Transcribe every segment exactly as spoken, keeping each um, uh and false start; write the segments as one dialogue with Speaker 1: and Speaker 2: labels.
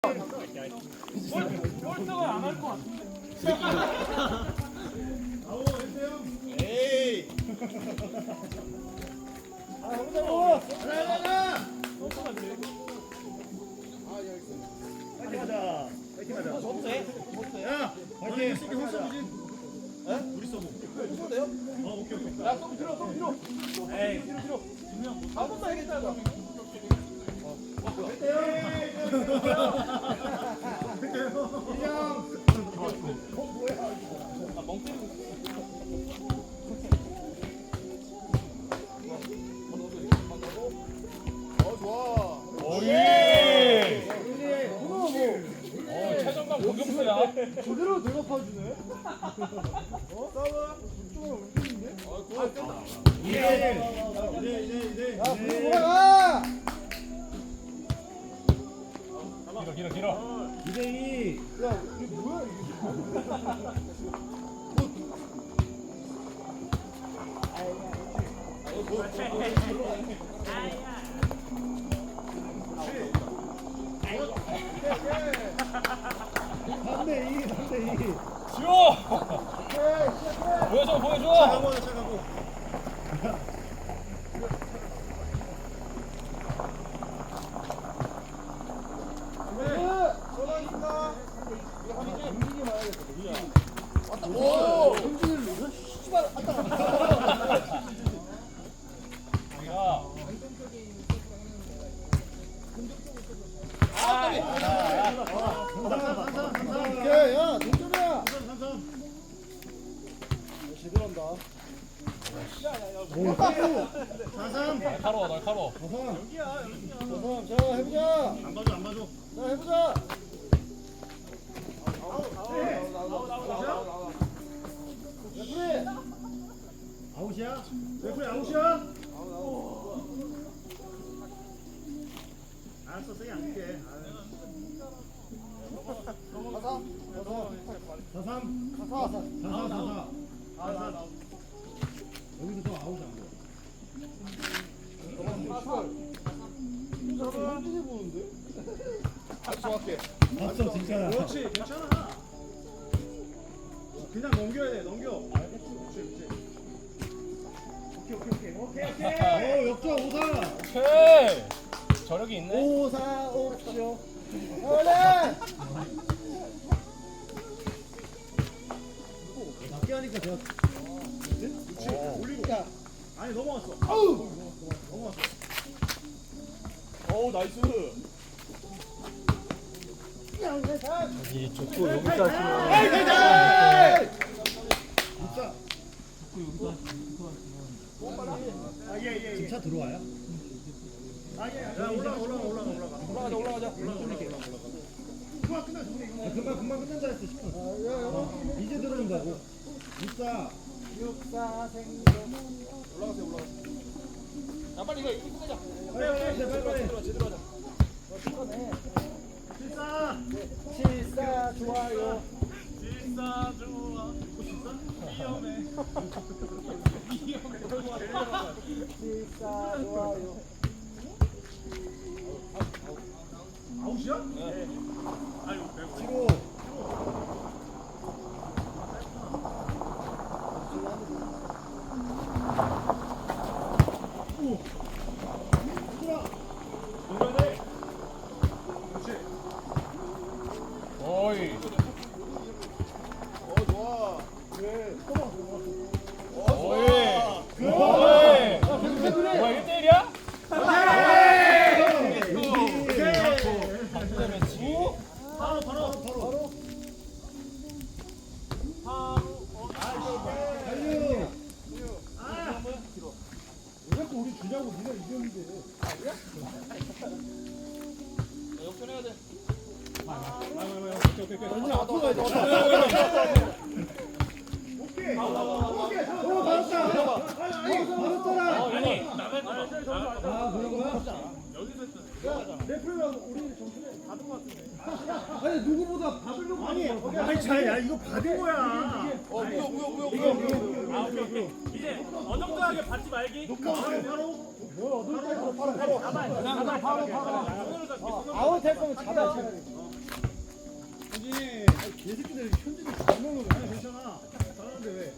Speaker 1: 꼴등은 안 할 것 같은데.
Speaker 2: 아우 했어요? 에이. 아 해보자고. 하나 하나.
Speaker 1: 꼴등은 돼.
Speaker 2: 아 여기 있어. 파이팅 하자. 파이팅 하자.
Speaker 1: 저도 돼. 저도 돼.
Speaker 2: 야 파이팅. 이게 홀서브지? 에? 우리 서브.
Speaker 1: 저도 돼요?
Speaker 2: 어 오케이 오케이.
Speaker 1: 야, 좀 들어, 좀 들어. 에이, 들어, 들어. 분명 한 번만 해야겠다. 어. 아, 멍 때리고 있어.
Speaker 2: 어 좋아.
Speaker 1: 오예. 어, 최전방 공격수야.
Speaker 2: 제대로 대답해주네. 어? 싸워. 좀 움직이는데? 아, 굿. 이제 이제 이제 이제. 야, 불 돌아가.
Speaker 1: 길어, 길어, 길어.
Speaker 2: 이제 이. 야, 이게 뭐야 이게? 삼 대 이, 삼 대 이.
Speaker 1: 지호! 보여줘, 보여줘!
Speaker 2: 차가고 차가고. 오! 정신을 씨발 왔다 갔다.
Speaker 1: 야.
Speaker 2: 오케이, 야, 동점이야. 제대로 한다. 사삼.
Speaker 1: 날카로워, 날카로워.
Speaker 2: 사삼. 자, 해보자. 안 봐줘, 안 봐줘. 자, 해보자. 레프리. 아웃이야? 레프리 아웃이야? 알았어, 세게 안 줄게. 사삼. 사삼. 사삼. 사삼. 사삼. 여기서 더 아웃이 안 돼. 현진이 보는데? 아주 정확해.
Speaker 3: 맞어 진짜.
Speaker 2: 그렇지, 괜찮아. 그냥 넘겨야 돼, 넘겨. 알겠지, 그렇지, 그렇지. 오케이, 오케이, 오케이, 오케이, 오케이. 오, 역전 오사.
Speaker 1: 오케이! 저력이 있네.
Speaker 2: 오사 옵쇼. 올래. 낮게 하니까 제가. 그렇지, 올리고. 아니 넘어갔어. 아우. 넘어갔어.
Speaker 1: 오, 나이스.
Speaker 3: 이 족구 여기서 하시면.
Speaker 2: 에이, 대장! 진짜. 아, 예, 예, 예.
Speaker 3: 진짜 들어와요?
Speaker 2: 아, 예. 야, 올라가, 올라가, 올라가, 올라가.
Speaker 1: 올라가자, 올라가자.
Speaker 2: 그만 끝나, 정리.
Speaker 3: 아, 금방 금방 끝난다 했어 싶어. 어, 이제 들어온다고. 육사.
Speaker 2: 육사 생존.
Speaker 1: 올라가세요, 올라가세요. 야, 빨리 이거, 이거 끝내자.
Speaker 2: 빨리, 빨리, 빨리, 빨리.
Speaker 1: 제대로, 제대로 하자.
Speaker 2: 칠사. 칠사 좋아요.
Speaker 1: 질사 좋아. 위험해.
Speaker 2: 칠사 좋아요. 아웃이야?
Speaker 1: 네.
Speaker 2: 지고.
Speaker 1: 오이.
Speaker 2: 어, 좋아. 그래.
Speaker 1: 오이. 오이. 뭐야, 일 대 일이야? 반대 매치.
Speaker 2: 바로, 바로, 바로. 달려. 아, 왜 자꾸 우리 주냐고 니가 이겼는데.
Speaker 1: 역전해야 돼.
Speaker 2: 언니 앞으로 가야 돼. 오케이. 오케이. 오, 받았다. 아니, 받았잖아.
Speaker 1: 아니,
Speaker 3: 아 그런 거야?
Speaker 2: 야, 레프리가 우리 점수에 받은 것 같은데.
Speaker 3: 아니 누구보다 받으려고
Speaker 2: 아니,
Speaker 3: 하는 거야.
Speaker 2: 아니, 자, 야, 이거 받은 거야.
Speaker 1: 어, 무효, 무효, 무효,
Speaker 2: 이거,
Speaker 1: 무효.
Speaker 2: 이거,
Speaker 1: 아, 오케이, 오케이. 이제 어정쩡하게 받지 말기.
Speaker 2: 녹화 바로, 바로. 뭐, 어디 바로, 바로, 바로.
Speaker 1: 그냥 바로, 바로.
Speaker 2: 아웃 할 거면 잡아야 차라리.
Speaker 3: 얘 새끼들 현진이 장난으로 아니 괜찮아. 잘하는데 왜?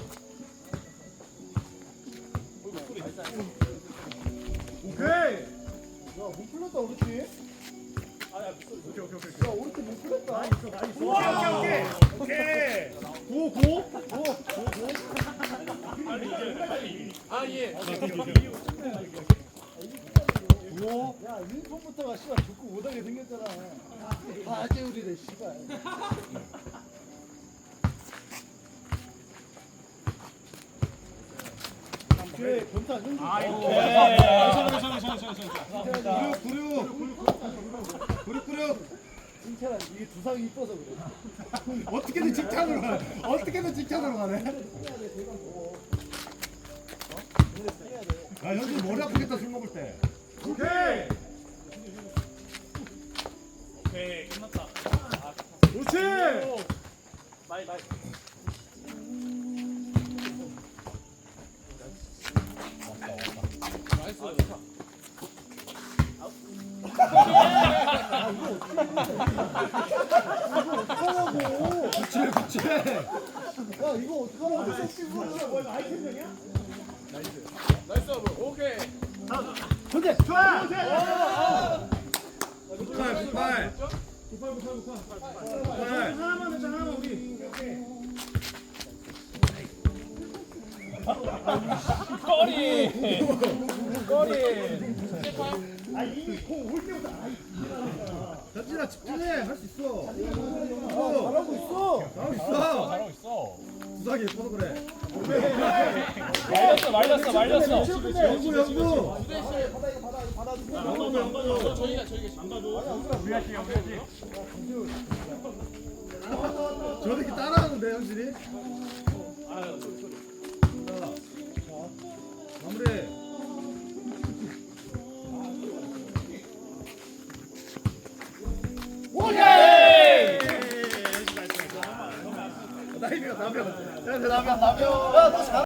Speaker 3: 오케이. 야못 풀렸다 우리 팀.
Speaker 1: 아야
Speaker 3: 오케이 오케이 오케이.
Speaker 2: 야 우리 팀 못 풀렸다.
Speaker 3: 나이스 나이스.
Speaker 2: 오케이 오케이 오케이.
Speaker 3: 고 고.
Speaker 1: 빨리 이겨 빨리 아예
Speaker 3: 고.
Speaker 2: 야 윈폰부터가 씨발 좋고 못하게 생겼잖아. 다 아재우리래 씨발. 그래 변타 안
Speaker 1: 아
Speaker 3: 구육 구육 구육 구육.
Speaker 2: 칭찬한 이게 두상이 이뻐서 그래.
Speaker 3: 어떻게든 직장으로 가네. 어떻게든 직장으로 가네. 야 현진 머리 아프겠다 술 먹을 때. 오케이.
Speaker 1: 오케이 끝났다 아
Speaker 3: 그렇지.
Speaker 1: 마이 마이
Speaker 2: 어떡하라고.
Speaker 3: 그렇지 그렇지.
Speaker 2: 야 이거 어떡하라고.
Speaker 1: 나이스 오케이
Speaker 2: 현재
Speaker 3: 좋아. 굿팔 굿팔. 굿팔. 하나만 했잖아 하나만 우리.
Speaker 1: 꼬리 꼬리
Speaker 3: 아 이미 공올 때보다 아이. 현진아 집중해 할 수 있어.
Speaker 2: 아, 잘하고 있어.
Speaker 3: 잘하고 있어.
Speaker 1: 잘하고 있어
Speaker 3: 구석이 예뻐서 그래.
Speaker 1: 말렸어 말렸어 말렸어
Speaker 3: 영구 영구.
Speaker 2: 받아 이거 받아 이거 받아주고.
Speaker 3: 영구 영구.
Speaker 1: 저희가 저희가 안 가도 우리할게 우리할게
Speaker 3: 저 새끼 따라하는데 현진이.
Speaker 1: 아 소리 소리
Speaker 3: 자, 마무리.
Speaker 1: 오케이
Speaker 3: 나이가 나면. 야, 나면 나면.
Speaker 2: 야너 잘.